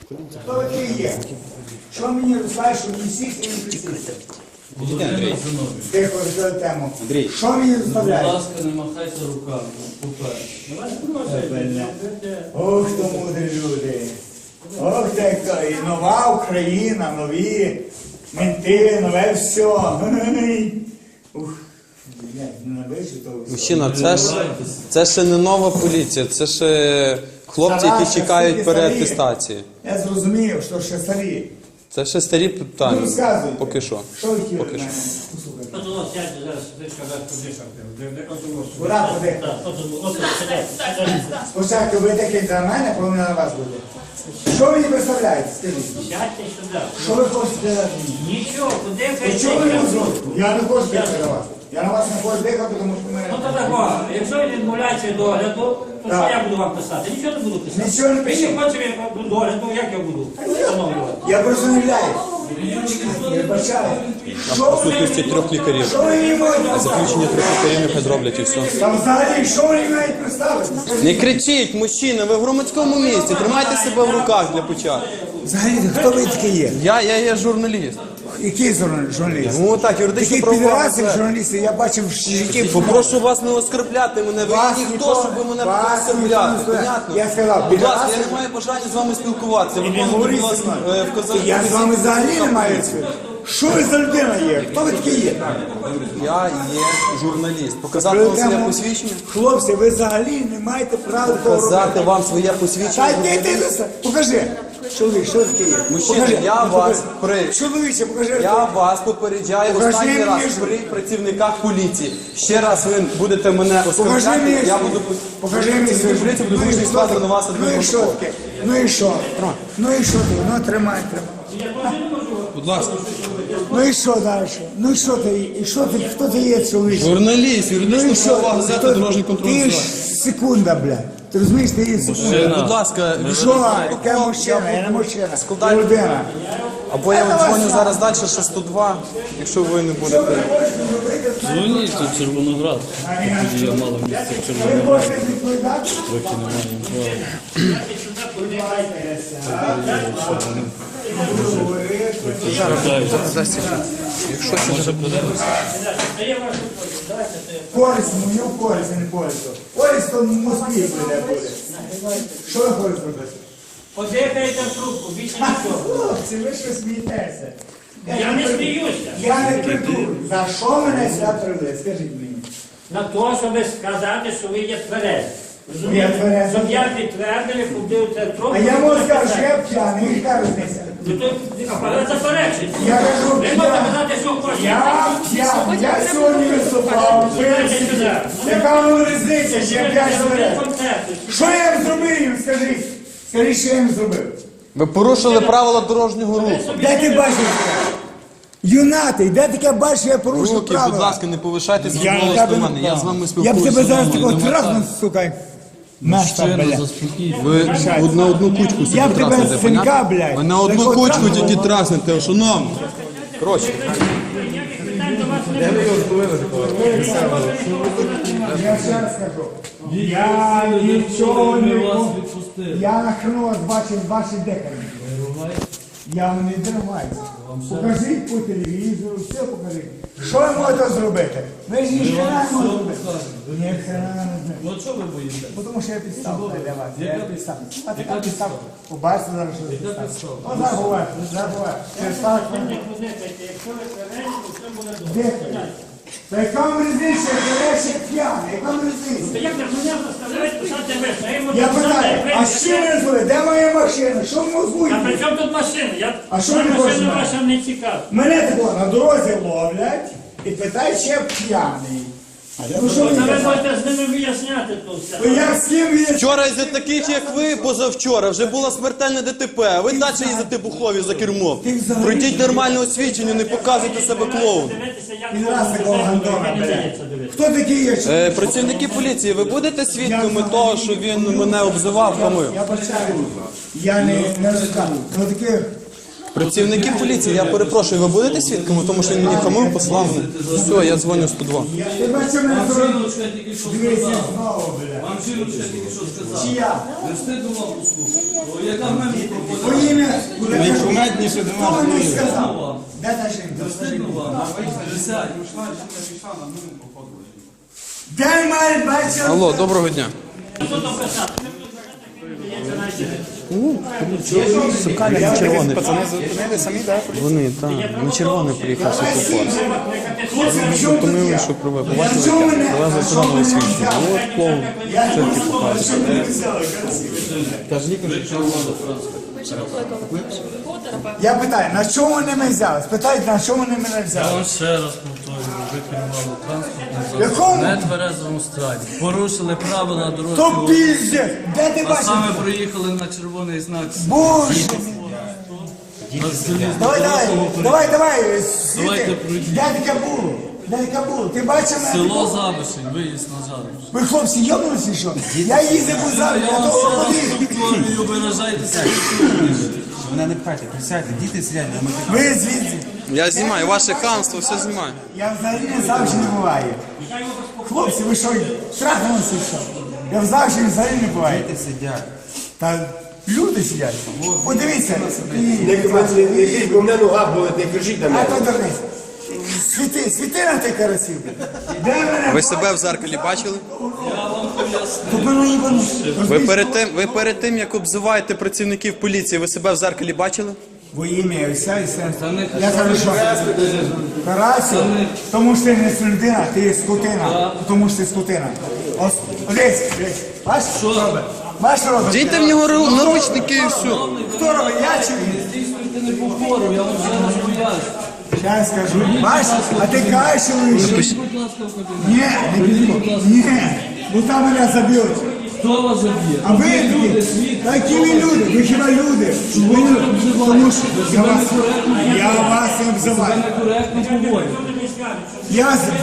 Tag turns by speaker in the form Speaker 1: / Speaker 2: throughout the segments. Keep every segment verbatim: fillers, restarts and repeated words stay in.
Speaker 1: Хто такий є? Що мені розкажеш, що мені сісти і не присісти?
Speaker 2: Андрій.
Speaker 1: Тихо, розглядай тему.
Speaker 2: Андрій.
Speaker 1: Що мені
Speaker 3: Будь
Speaker 1: розставляєш?
Speaker 3: ласка, не махайте руками.
Speaker 1: Ох, то мудрі люди. Ох, так, і нова Україна, нові менти, нове все. Ой. Ух, блядь, ненавиджу того всього.
Speaker 4: Мужчина, це ж це ще не нова поліція, це ще хлопці, які
Speaker 1: Тараса,
Speaker 4: чекають
Speaker 1: скільки
Speaker 4: переатестації.
Speaker 1: Я зрозумів, що ще старі.
Speaker 4: Це ще старі
Speaker 1: Ну,
Speaker 4: питання.
Speaker 1: розказуйте.
Speaker 4: Поки що.
Speaker 1: Що ви хотіли
Speaker 4: Поки
Speaker 1: від
Speaker 4: що.
Speaker 1: мене? Послухайте.
Speaker 5: От воно сядьте зараз, ти сказав, подишати.
Speaker 1: Куди подихати?
Speaker 5: Так, от воно, от сядьте.
Speaker 1: Спочатку ви такі за мене, повинні на вас бути. Що ви мені представляєте? Скажіть.
Speaker 5: Сядьте сюди.
Speaker 1: Що ви хочете дати мені?
Speaker 5: Нічого, куди
Speaker 1: Ви чого ви не зробите? Я не хочу дихати на вас. Я на вас не хочу дихати, тому що
Speaker 5: Ну
Speaker 1: мене...
Speaker 5: то такого, якщо він відмовляється від догляду, то
Speaker 1: Так.
Speaker 5: що я буду вам писати? Нічого не буду писати.
Speaker 1: Нічого не
Speaker 5: Він
Speaker 1: пишіть.
Speaker 5: не хоче від догляду, як я буду встановлювати?
Speaker 1: Я просто не являюсь. Я бачаю. Що
Speaker 4: В
Speaker 1: ви
Speaker 4: присутності трьох лікарів.
Speaker 1: Що ви мені можете?
Speaker 4: Заключення трьох лікарів нехай зроблять і все.
Speaker 1: Там взагалі, що ви мені мають представити?
Speaker 4: Не кричіть, мужчина, ви в громадському місці, тримайте себе в руках для початку.
Speaker 1: Взагалі, хто ви такі є?
Speaker 4: Я, я є журналіст.
Speaker 1: Який журналіст?
Speaker 4: Ну так, юридично
Speaker 1: Таких
Speaker 4: правова.
Speaker 1: підрасів журналістів я бачив в житті.
Speaker 4: Попрошу вас не оскорбляти мене, ви
Speaker 1: Вас
Speaker 4: є ніхто,
Speaker 1: ніхто-
Speaker 4: щоб ви мене
Speaker 1: вас ніхто
Speaker 4: оскорбляти,
Speaker 1: не оскорбляє.
Speaker 4: понятно?
Speaker 1: Я сказав,
Speaker 4: Будь ласка,
Speaker 1: підраси-
Speaker 4: я не маю бажання з вами спілкуватися, виконуйте,
Speaker 1: говоріть
Speaker 4: будь
Speaker 1: зі
Speaker 4: ласка,
Speaker 1: мною.
Speaker 4: е, вказівки.
Speaker 1: Я з вами взагалі не маю цього. Що ви за людина є? Хто ви такі є?
Speaker 4: Я є журналіст. Показати вам своє посвідчення?
Speaker 1: Хлопці, ви взагалі не маєте права того
Speaker 4: Показати
Speaker 1: робити.
Speaker 4: вам своє
Speaker 1: Та
Speaker 4: посвідчення?
Speaker 1: йди ти за покажи. Чоловік, що таке є?
Speaker 4: Мужчина,
Speaker 1: Покажи.
Speaker 4: я
Speaker 1: Ну,
Speaker 4: вас
Speaker 1: покажи.
Speaker 4: при-
Speaker 1: Чоловіче, покажи.
Speaker 4: Я вас попереджаю
Speaker 1: Покажи
Speaker 4: останній
Speaker 1: мені
Speaker 4: раз
Speaker 1: ж.
Speaker 4: при працівниках поліції. Ще раз ви будете мене
Speaker 1: Покажи
Speaker 4: оскорбляти,
Speaker 1: мені.
Speaker 4: я буду
Speaker 1: Покажи мені.
Speaker 4: працівник поліції, буду
Speaker 1: Ну і
Speaker 4: змушений
Speaker 1: що
Speaker 4: скласти
Speaker 1: ти?
Speaker 4: на вас
Speaker 1: Ну і що
Speaker 4: адмінпротокол.
Speaker 1: таке? Ну і що? Ну і що ти? Ну тримай, тримай.
Speaker 4: Будь ласка.
Speaker 1: Ну і що далі? Ну і що ти? І що ти? Хто ти є, чоловік?
Speaker 4: Журналіст,
Speaker 1: Ну і
Speaker 4: юридично
Speaker 1: що?
Speaker 4: правова газета,
Speaker 1: Хто-
Speaker 4: дорожній контроль.
Speaker 1: Ти ж секунда, блядь. Ти розумієш, ти є секунда.
Speaker 4: Будь ласка,
Speaker 1: Що? Яке мужчина? Я не мужчина.
Speaker 4: Складай.
Speaker 1: Я людина.
Speaker 4: або я дзвоню зараз далі, ще сто два, якщо ви не будете.
Speaker 3: Дзвоніть тут Червоноград. Тоді я мало місця в
Speaker 1: Ви
Speaker 3: Червонограді.
Speaker 1: можете відповідати?
Speaker 3: Трохи немає права. Може подивитися?
Speaker 1: Користь, мою користь, а не користь. Користь то в Москві буде буде. Що ви хочете робити?
Speaker 5: Подихайте в трубку, більше нічого.
Speaker 1: Хлопці, ви що смієтеся?
Speaker 5: Я не сміюся.
Speaker 1: Я не придурю. За що мене сюди привели? Скажіть мені.
Speaker 5: На те, щоб сказати, що ви є тверезі.
Speaker 1: Я
Speaker 5: Розумієте?
Speaker 1: тверезий.
Speaker 5: Щоб я підтвердили, подивився трубку.
Speaker 1: А я можу сказати, що я п'яний, яка різниця?
Speaker 5: Ну, то апарат заперечить.
Speaker 1: Я кажу,
Speaker 5: Ви можете
Speaker 1: п'яний.
Speaker 5: казати, що хочете.
Speaker 1: Я п'яний. Я сьогодні виступав.
Speaker 5: Сюди.
Speaker 1: Яка вам різниця, що я п'яний тверезий?
Speaker 5: Концерти.
Speaker 1: Що я їм зробив їм, скажіть? Скажіть, що я їм зробив?
Speaker 4: Ви порушили правила дорожнього руху.
Speaker 1: Де ти бачиш? Юнатий, де таке бачиш, що я порушив
Speaker 4: Руки,
Speaker 1: правила?
Speaker 4: будь ласка, не повишайте свій
Speaker 1: Я
Speaker 4: голос
Speaker 1: на
Speaker 4: до
Speaker 1: тебе
Speaker 4: мене.
Speaker 1: не
Speaker 4: Я з вами
Speaker 1: Я б
Speaker 4: спілкуюся.
Speaker 1: тебе зараз
Speaker 4: нормально.
Speaker 1: такого трахну, сука. Наша,
Speaker 3: Щиро
Speaker 1: бля.
Speaker 3: заспокійте.
Speaker 4: Ви на одну кучку собі
Speaker 1: Я б тебе
Speaker 4: траснете,
Speaker 1: з синка,
Speaker 4: понятно?
Speaker 1: блядь.
Speaker 4: Ви на одну
Speaker 1: такого
Speaker 4: кучку
Speaker 1: трахну.
Speaker 4: тільки траснете, шановні. Коротше.
Speaker 1: Я ще раз кажу. Я нічого не
Speaker 3: Ми вас
Speaker 1: можу.
Speaker 3: відпустили.
Speaker 1: Я нахрену вас бачив ваші декарі. Я вам не дриваюся. Покажіть по телевізору, все покажіть. Що ви можете зробити? Ви ж ніхрена не можете зробити. Ні, хрена не знаєте.
Speaker 3: Ну чого ви боїтеся?
Speaker 1: Бо Тому що я підстав для вас. Я
Speaker 3: Яка
Speaker 1: підстав. А
Speaker 3: Яка
Speaker 1: така підстав.
Speaker 3: підстава?
Speaker 1: Побачите зараз, що
Speaker 3: Яка
Speaker 1: підстав.
Speaker 3: підстава?
Speaker 1: О, зараз буває, зараз буває. Через так,
Speaker 5: Якщо ви тверезі, то все буде добре.
Speaker 1: декарі. Та яка вам різниця, я ще п'яний, яка вам різниця?
Speaker 5: Та як же мене заставляють писати весь? Я йому
Speaker 1: Я
Speaker 5: написав,
Speaker 1: питаю,
Speaker 5: як
Speaker 1: а
Speaker 5: ви-
Speaker 1: що ви звали? Де моя машина? Що ви
Speaker 5: А
Speaker 1: мозгуєте?
Speaker 5: при чому тут машина? Я
Speaker 1: А що
Speaker 5: Моя
Speaker 1: ви
Speaker 5: машина
Speaker 1: хочете?
Speaker 5: ваша не цікава.
Speaker 1: Мене такого на дорозі ловлять і питають, чи я п'яний. Ну що ви
Speaker 5: Та ви
Speaker 1: казали?
Speaker 5: будете з ними виясняти тут все.
Speaker 1: Ну як з ким є?
Speaker 4: Вчора із-за таких, як ви, позавчора, вже було смертельне ДТП, а ви далі їздите бухові за кермом.
Speaker 1: Ти взагалі-
Speaker 4: Пройдіть нормальне освідчення, не показуйте себе клоуном.
Speaker 5: Дивитися, як
Speaker 1: Він раз такого гандона,
Speaker 5: не
Speaker 1: блядь.
Speaker 5: дається дивитися.
Speaker 1: Хто такі є?
Speaker 4: Е, працівники поліції, ви будете свідками того, що він мене обзивав, хамив?
Speaker 1: Я бачаю, я не, не розказую. Ну таких
Speaker 4: Працівники поліції, я перепрошую, ви будете свідками, тому що він мені хамив, послав мене. Все, я дзвоню сто два.
Speaker 1: Ти бачиш, мене зробив.
Speaker 3: Жіночка тільки що
Speaker 1: Дивися
Speaker 3: сказала.
Speaker 1: знову, бля.
Speaker 3: Вам жіночка тільки що сказала.
Speaker 1: Чия?
Speaker 3: Не встигну вам послухати. О, яка в мене пропозиція?
Speaker 1: Твоє ім'я.
Speaker 2: Ви кумедніше до
Speaker 1: Хто
Speaker 2: нас.
Speaker 1: мені сказав? Де та жінка?
Speaker 3: Встигну вам. Присядь.
Speaker 1: Де має бачити?
Speaker 4: Алло, доброго дня. Сукаля на червоний.
Speaker 2: Пацани зупинили самі, так?
Speaker 4: Вони, так, на червоний приїхав світлофор.
Speaker 1: Хлопці, в чому
Speaker 4: Зупинили,
Speaker 1: таке?
Speaker 4: що приве.
Speaker 1: Я
Speaker 4: Побачили,
Speaker 1: чому мене?
Speaker 4: привезли
Speaker 1: А
Speaker 4: сюди
Speaker 1: що
Speaker 4: нове
Speaker 1: мене
Speaker 4: світло.
Speaker 1: взяли?
Speaker 4: От повний.
Speaker 1: Я
Speaker 4: Тільки
Speaker 1: не
Speaker 4: показує.
Speaker 1: що мене взяли, красиво.
Speaker 2: Та ж лікар.
Speaker 1: Я питаю, на чому вони мене взяли? Спитайте, на чому вони мене
Speaker 3: Я
Speaker 1: взяли?
Speaker 3: вам ще раз повторюю, ви керували транспортним
Speaker 1: Якому?
Speaker 3: засобом. Не тверезому стані. Порушили правила
Speaker 1: То
Speaker 3: дорожнього руху.
Speaker 1: піздець! Де ти
Speaker 3: А
Speaker 1: бачиш?
Speaker 3: саме проїхали на червоний знак.
Speaker 1: Боже!
Speaker 3: На залізному
Speaker 1: Давай, давай,
Speaker 3: переході.
Speaker 1: давай, давай,
Speaker 3: Давайте
Speaker 1: світи.
Speaker 3: пройдіть.
Speaker 1: Де таке було? Де таке було? Ти бачив мене?
Speaker 3: Село Забишень, виїзд на Забишень.
Speaker 1: Ви хлопці йобнулися, що? Я їздив у залі,
Speaker 3: Я
Speaker 1: я
Speaker 3: вам
Speaker 1: того
Speaker 3: ще раз
Speaker 1: ходив.
Speaker 3: повторюю, виражайтеся.
Speaker 2: Мене не пхайте, присядьте, діти сидять, а ми
Speaker 1: Ви звідси.
Speaker 4: Я знімаю, ваше хамство, все знімаю.
Speaker 1: Я взагалі не завжди не буваю. Хлопці, ви що, трахнулися, що? Я взагалі взагалі не буваю.
Speaker 2: діти сидять.
Speaker 1: Та люди сидять. Подивіться.
Speaker 6: Якийсь бо в мене нога болить, не кричіть на
Speaker 1: А
Speaker 6: мене.
Speaker 1: то дурниць. Світи, світи на тих карасів. Де мене?
Speaker 4: Ви себе в зеркалі бачили?
Speaker 1: Тут мене їбану.
Speaker 4: Ви перед тим, ви перед тим, як обзиваєте працівників поліції, ви себе в зеркалі бачили?
Speaker 1: Во ім'я і все, і все. Я кажу, що Карасю, тому що ти не людина, ти є скотина. Тому що ти скотина. Ось, дивись, дивись. Бачиш, що робить? Бачиш, що робить?
Speaker 4: Дійте в нього ру- наручники і все.
Speaker 1: Хто робить? Я чи він?
Speaker 3: Здійснюйте не повторю, я вам вже раз поясню.
Speaker 1: Зараз скажу. Бачиш, а ти кажеш, що ви що?
Speaker 3: Будь ласка, в кабінет.
Speaker 1: Ні, не підійду. Ні, бо там мене заб'ють.
Speaker 3: Хто вас заб'є?
Speaker 1: А ви такі, такі ви люди, ви хіба люди? Ви не тому що я вас, я вас не обзиваю.
Speaker 3: Некоректно поводите.
Speaker 1: Я з...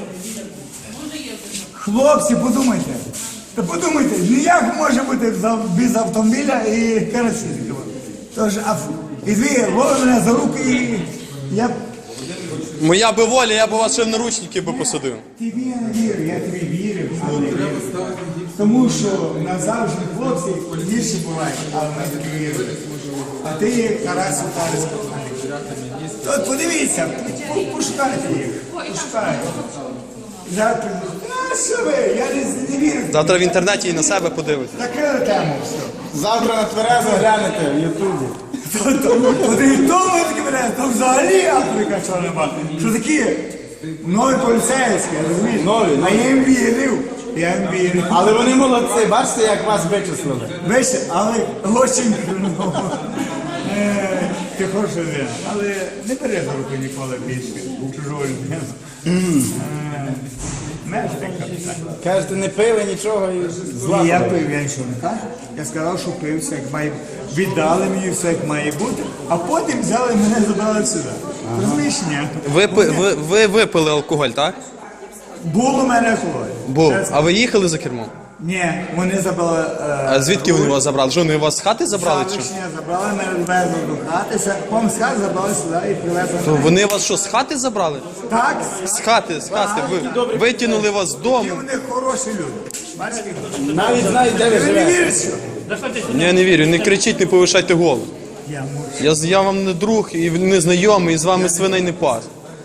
Speaker 1: Хлопці, подумайте. Та подумайте, ну як може бути за- без автомобіля і карасів? Тож, а, і ви ловили мене за руки і я
Speaker 4: Моя би воля, я б вас ще в наручники би посадив.
Speaker 1: тобі не вірю, я тобі вірю. але вірю. Тому що назавжди хлопці гірші бувають, а ми тобі віримо. А ти є Карасю Карась. От подивіться, по- пошукайте їх. Пошукайте. Зараз прийду. А що ви? Я не, не вірю.
Speaker 4: Завтра в інтернеті і на себе подивитесь.
Speaker 1: Закрили тему все.
Speaker 2: Завтра на тверезо глянете в Ютубі.
Speaker 1: Один тому такі мене, то взагалі Африка що нема. Що такі нові поліцейські, розумієш?
Speaker 2: Нові,
Speaker 1: А я їм вірив. Я їм вірив.
Speaker 2: Але вони молодці, бачите, як вас вичислили.
Speaker 1: Вище, але очень круто. Е, Ти хороша людина, але не бери за руку ніколи більше чужого людину. Е, Знаєш, ти капітан.
Speaker 2: Кажете, не пили нічого і зла.
Speaker 1: Ні, я
Speaker 2: була.
Speaker 1: пив, я нічого не кажу. Я сказав, що пив все як має. Віддали мені все як має бути, а потім взяли мене забрали сюди. Розумієш, ні?
Speaker 4: Ви, пи- ви, ви випили алкоголь, так?
Speaker 1: Було в мене алкоголь.
Speaker 4: Був.
Speaker 1: Чесно.
Speaker 4: А ви їхали за кермом?
Speaker 1: Ні, вони забрали. е,
Speaker 4: А звідки вони вас забрали? Що, вони вас з хати забрали чи? що?
Speaker 1: Завтрашня забрали, мене везли до хати, все, потім з хати забрали сюди і привезли.
Speaker 4: То вони вас що, з хати забрали?
Speaker 1: Так,
Speaker 4: З хати, з хати. Ви витягнули вас з
Speaker 1: і
Speaker 4: дому.
Speaker 1: вони хороші люди. Бачите?
Speaker 2: Навіть знають, де ви
Speaker 1: Ви не
Speaker 2: живете.
Speaker 1: вірите, що?
Speaker 4: Ні, я не вірю, не кричіть, не повишайте голос.
Speaker 1: Я можу.
Speaker 4: Я, з- я вам не друг і не знайомий, і з вами свиней не пас.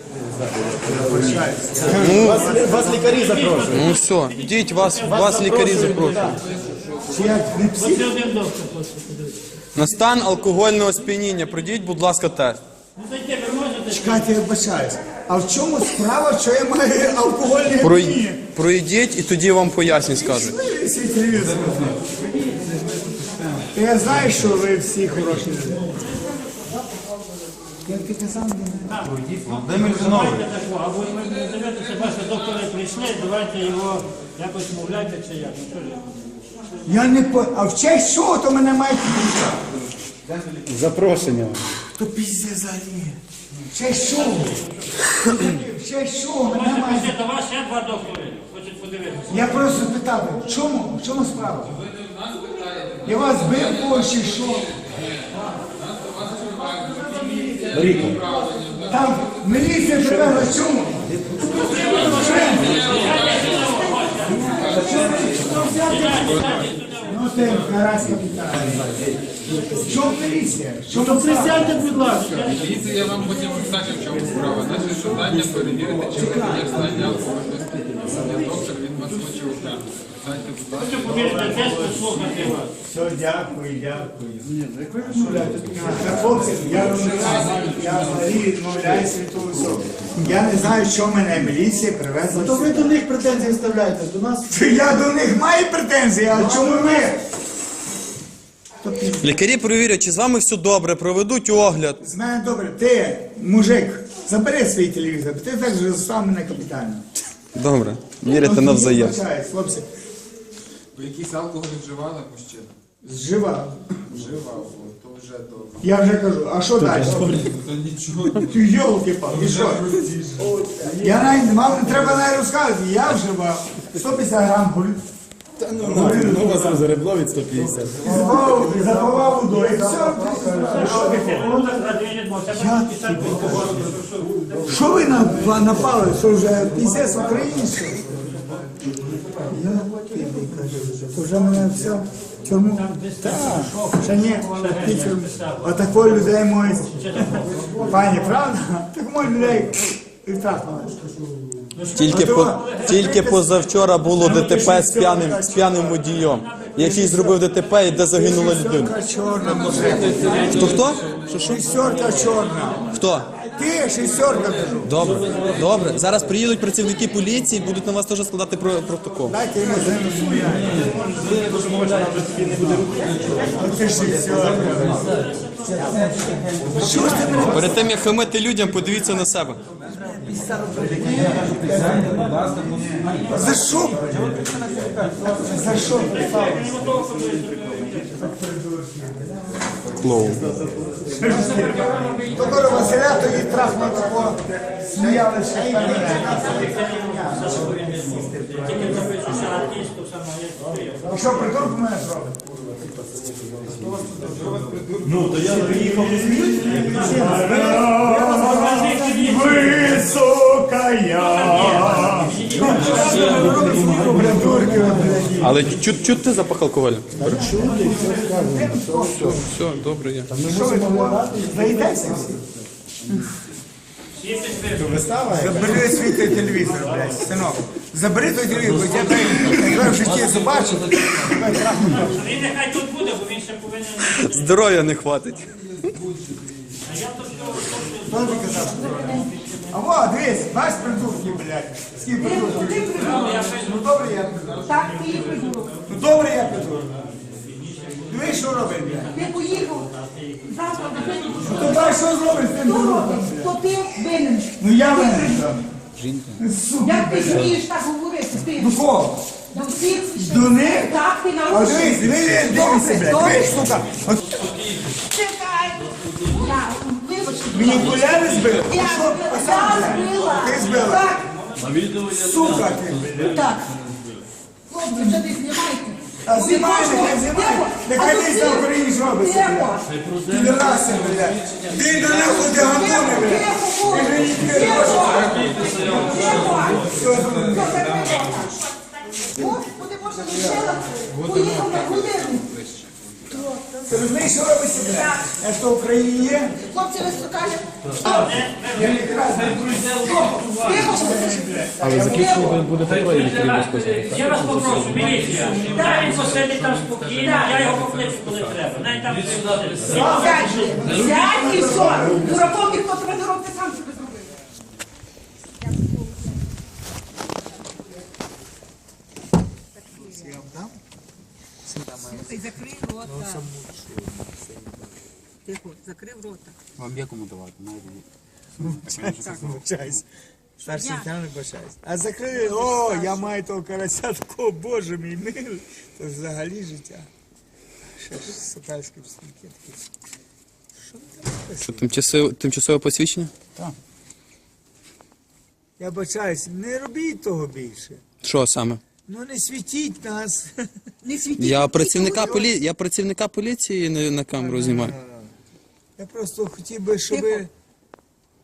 Speaker 2: Вас, вас лікарі запрошують.
Speaker 4: Ну все, йдіть, вас, вас лікарі запрошують.
Speaker 1: Чи я не псих?
Speaker 5: Це один доктор просто подивиться.
Speaker 4: На стан алкогольного сп'яніння пройдіть, будь ласка, тест.
Speaker 5: Ну зайдіть, ви можете.
Speaker 1: Чекайте, я вибачаюсь. А в чому справа, що я маю алкогольні
Speaker 4: Прой...
Speaker 1: опіні?
Speaker 4: Пройдіть і тоді вам пояснять, скажуть.
Speaker 1: Свій телевізор. Я знаю, що ви всі хороші люди. Я ти казав,
Speaker 2: Володимир Зинович.
Speaker 5: Давайте такого, або ви не дивитеся, бачите, доктори прийшли, давайте його якось мовляйте чи як. Ну, що ж я?
Speaker 1: я не по... А в честь чого то мене мають підписати?
Speaker 2: Запрошення.
Speaker 1: То пізде взагалі. В честь чого? В честь чого мене
Speaker 5: Бачите,
Speaker 1: мають...
Speaker 5: прийшли до вас ще два доктори, хочуть подивитися.
Speaker 1: Я просто питав, в чому, в чому справа? Я вас бив когось чи що? Там міліція привезла чому? Ну ти, гаразд, капітан. Чому міліція? Чому
Speaker 5: Присядьте, будь ласка.
Speaker 7: Дивіться, я вам потім скажу, в чому справа. Наше завдання перевірити, чи ви є в стані алкогольного сп'яніння. Доктор, він вас хоче оглянути. Сядьте, будь ласка.
Speaker 5: Повірте, теж послухати вас.
Speaker 1: Все, дякую, дякую. Хлопці, я розумію, я взагалі відмовляюся від того всього. Я не знаю, що мене міліція привезла.
Speaker 8: То ви до них претензії вставляєте, до нас.
Speaker 1: Я до них маю претензії, а чому ви?
Speaker 4: Лікарі перевірять, чи з вами все добре, проведуть огляд.
Speaker 1: З мене добре, ти, мужик, забери свій телевізор, ти так же став мене капітально.
Speaker 4: Добре, вірите навзаєм.
Speaker 1: Вибачаюсь, хлопці,
Speaker 7: Ви якийсь алкоголь вживали, мужчина?
Speaker 1: зживав.
Speaker 7: Вживав, о, то вже добре.
Speaker 1: Я вже кажу, а що далі?
Speaker 7: То нічого.
Speaker 1: Ти йолки-палки, і що? Я навіть, вам не треба навіть розказувати, я вживав сто п'ятдесят грам гуль.
Speaker 2: Ну, вас розребло від сто п'ятдесят.
Speaker 1: Запавав, запавав водою, і все.
Speaker 5: Ну, так, радіє, бо це буде писати алкоголь.
Speaker 1: Що ви на- напали, що вже пісець в Україні, що? Я тобі кажу, то вже мене все в тюрму. Так, ще ні, ще в тюрму. Отакої людей можуть, пані, правда? Так можуть людей і втратили.
Speaker 4: Тільки, по, тільки позавчора було ДТП з п'яним, з п'яним водієм, який зробив ДТП і де загинула людина.
Speaker 1: Шестерка чорна, може.
Speaker 4: Хто хто?
Speaker 1: Шестерка чорна.
Speaker 4: Хто?
Speaker 1: Ти шестерка, кажу.
Speaker 4: Добре, добре. Зараз приїдуть працівники поліції, будуть на вас теж складати про- протокол.
Speaker 1: Дайте йому землю. Оце шестерка. Що ж ти мене?
Speaker 4: Перед тим, як хамити людям, подивіться на себе.
Speaker 1: За що? За що?
Speaker 4: Клоун.
Speaker 1: Доктора Василя тоді трахнуло такого, сміялися. А що, придурку мене зробить? Ну, то я приїхав не високая.
Speaker 4: Але чут, чут ти запах алкоголю? Все, все, добре є.
Speaker 1: Що ви заїдеться всі? Забери свій той телевізор, блядь, синок. Забери той телевізор, бо я тебе в житті побачив.
Speaker 5: Він нехай тут буде, бо він ще повинен...
Speaker 4: Здоров'я не хватить.
Speaker 1: Хто ти казав? А во, дивись, бач придурки, блядь. Скільки придурків. Ну добре, я придурок.
Speaker 9: Так, ти і придурок.
Speaker 1: Ну добре, я придурок. Дивись, що робить, блядь.
Speaker 9: Ти поїхав. Завтра до тебе.
Speaker 1: Ну то дай, що зробиш з тим
Speaker 9: Хто
Speaker 1: дуроком,
Speaker 9: робить?
Speaker 1: блядь?
Speaker 9: То ти винен.
Speaker 1: Ну я мене там. Сука,
Speaker 9: Як ти
Speaker 1: блядь.
Speaker 9: смієш так говорити? Ти
Speaker 1: Ну кого?
Speaker 9: до всіх
Speaker 1: До них?
Speaker 9: Так, ти
Speaker 1: А
Speaker 9: нарушив.
Speaker 1: дивись, дивись, дивися, блядь.
Speaker 9: Добре.
Speaker 1: Дивись, сука. От
Speaker 9: Чекай. Я, вибачте.
Speaker 1: мені окуляри збили?
Speaker 9: Я,
Speaker 1: Що?
Speaker 9: я
Speaker 1: А сам, блядь?
Speaker 9: збила.
Speaker 1: Ти збила?
Speaker 9: Так,
Speaker 1: Сука ти, блядь.
Speaker 9: так. Хлопці, вже не знімайте.
Speaker 1: А
Speaker 9: Бо
Speaker 1: знімай,
Speaker 9: від кожного-
Speaker 1: нехай знімай.
Speaker 9: Тихо.
Speaker 1: Нехай
Speaker 9: А
Speaker 1: десь
Speaker 9: то
Speaker 1: на
Speaker 9: ти-
Speaker 1: Україні зробиться,
Speaker 9: Тихо.
Speaker 1: блядь. Підраси, блядь. Ти до нахуй ти гандони, блядь.
Speaker 9: Тихо,
Speaker 1: Ти ж
Speaker 9: Тихо.
Speaker 1: не
Speaker 9: Тихо. Тихо. Господи, Боже, лишила. Поїхав на хвилину.
Speaker 1: Ти розумієш, що робиться, блядь? Я що в Україні є?
Speaker 9: Хлопці, ви скажете.
Speaker 1: Я не красний.
Speaker 9: Тихо,
Speaker 3: Але закінчили буде такої лікарі безпосередньо.
Speaker 5: Я вас попрошу, міліція. Дай він посидить там спокійно, я його покличу, коли треба. Навіть там
Speaker 9: Сядь, сядь і все. Дураком ніхто тебе не робить, сам себе зробив. Слухай, закрий рота. Тихо, закрив рота.
Speaker 2: Вам є кому давати?
Speaker 1: Вибачайся. Старший лейтенант, вибачайся. А закрили, о, я маю того карася такого, боже мій милий. Це взагалі життя. Ще ж сокальські псинки такі. Що ви там?
Speaker 4: Що, тимчасове, тимчасове посвідчення?
Speaker 1: Я бачаюсь, не робіть того більше.
Speaker 4: Що саме?
Speaker 1: Ну не світіть нас.
Speaker 9: Не світіть.
Speaker 4: Я працівника, полі... я працівника поліції на, на камеру знімаю.
Speaker 1: Я просто хотів би, щоб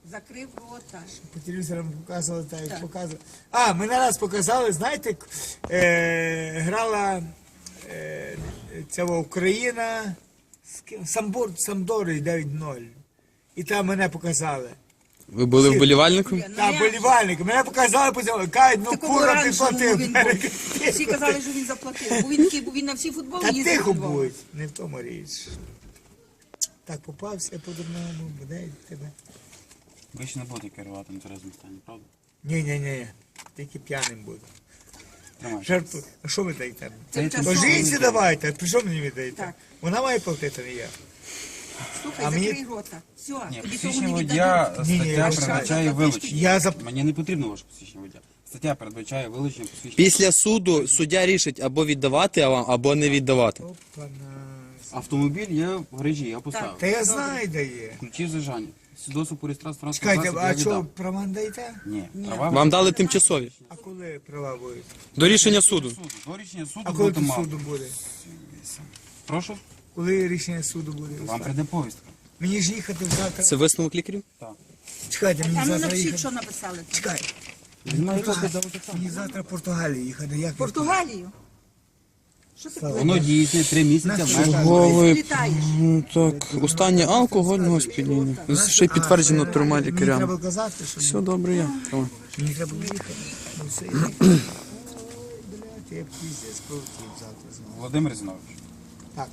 Speaker 9: Закрив рота.
Speaker 1: По телевізорам показували, так як показували. А, мене раз показали, знаєте, к- е, грала е, ця Україна з ким? Самбор, Самдори дев'ять ноль. І там мене показали.
Speaker 4: Ви були вболівальником?
Speaker 1: Та болівальники. Мене показали, показали, кажуть, ну
Speaker 9: Такого
Speaker 1: кура
Speaker 9: оранжевого
Speaker 1: підплатив.
Speaker 9: він був. Всі казали, що він заплатив. Бо він такий, бо він на всі футболи
Speaker 1: Та
Speaker 9: їздив.
Speaker 1: тихо
Speaker 9: у Львов.
Speaker 1: будь, не в тому річ. Так попався по-дурному, буде тебе.
Speaker 2: Ви ще не будете керувати на тверезому стані, правда?
Speaker 1: Ні-ні-ні, тільки п'яним буду.
Speaker 2: Тримай.
Speaker 1: Жарту. А що ви даєте?
Speaker 9: Це
Speaker 2: Це
Speaker 1: То
Speaker 9: часово.
Speaker 1: жінці давайте, при що мені віддаєте?
Speaker 9: Так.
Speaker 1: Вона має платити, не я.
Speaker 9: Слухай,
Speaker 1: А мені-
Speaker 9: закрий рота. Все,
Speaker 2: Ні,
Speaker 9: тобі того
Speaker 2: посвідчення
Speaker 9: не
Speaker 2: водія
Speaker 9: віддадуть.
Speaker 1: Ні, ні, я
Speaker 2: стаття
Speaker 1: вважаю.
Speaker 2: передбачає вилучення.
Speaker 1: Я за...
Speaker 2: Мені не потрібно ваше посвідчення водія. Стаття передбачає вилучення посвідчення.
Speaker 4: Після суду суддя рішить або віддавати вам, або не віддавати.
Speaker 1: Опана.
Speaker 2: Автомобіль є в гаражі, я поставив.
Speaker 1: Та я знаю, де є.
Speaker 2: Ключі зажані. Свідоцтво по реєстрації транспортного
Speaker 1: Чекайте,
Speaker 2: засобу
Speaker 1: а
Speaker 2: я
Speaker 1: що,
Speaker 2: віддав.
Speaker 1: права не даєте?
Speaker 2: Ні, права
Speaker 4: Вам дали тимчасові.
Speaker 1: А коли права будуть?
Speaker 4: До рішення суду.
Speaker 2: суду. До рішення суду
Speaker 1: А коли
Speaker 2: будете
Speaker 1: тут
Speaker 2: мати.
Speaker 1: суду буде?
Speaker 2: Прошу,
Speaker 1: Коли рішення суду буде?
Speaker 2: вам прийде повістка.
Speaker 1: Мені ж їхати завтра.
Speaker 4: Це висновок лікарів?
Speaker 1: Чекайте,
Speaker 9: А
Speaker 1: мені
Speaker 9: ну
Speaker 1: завтра
Speaker 9: напишіть,
Speaker 1: їхати.
Speaker 9: що написали.
Speaker 1: Чекай,
Speaker 2: Знімаю копію до
Speaker 1: мені завтра в Португалію їхати. Як
Speaker 9: В Португалію? Що ти
Speaker 2: Воно діє три місяці.
Speaker 1: Слухай.
Speaker 2: майже.
Speaker 9: Ти літаєш?
Speaker 4: Ну, так, останнє алкогольного сп'яніння. Ще й підтверджено трьома
Speaker 1: Мені
Speaker 4: лікарями.
Speaker 1: треба казати, що
Speaker 4: Все добре є. Тримай.
Speaker 1: мені треба їхати. Ну все, я їхати. Ой, блядь, я піздець полетів завтра знову.
Speaker 2: Володимир Зінович.
Speaker 1: Так.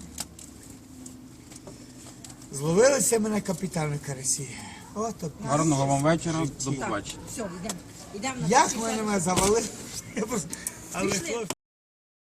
Speaker 1: Зловилися мене капітани карасі. Ото.
Speaker 2: Гарного вам вечора. До побачення.
Speaker 9: Все, йдемо. Йдемо на
Speaker 1: Як мене завалили? Я просто- Але хлопці.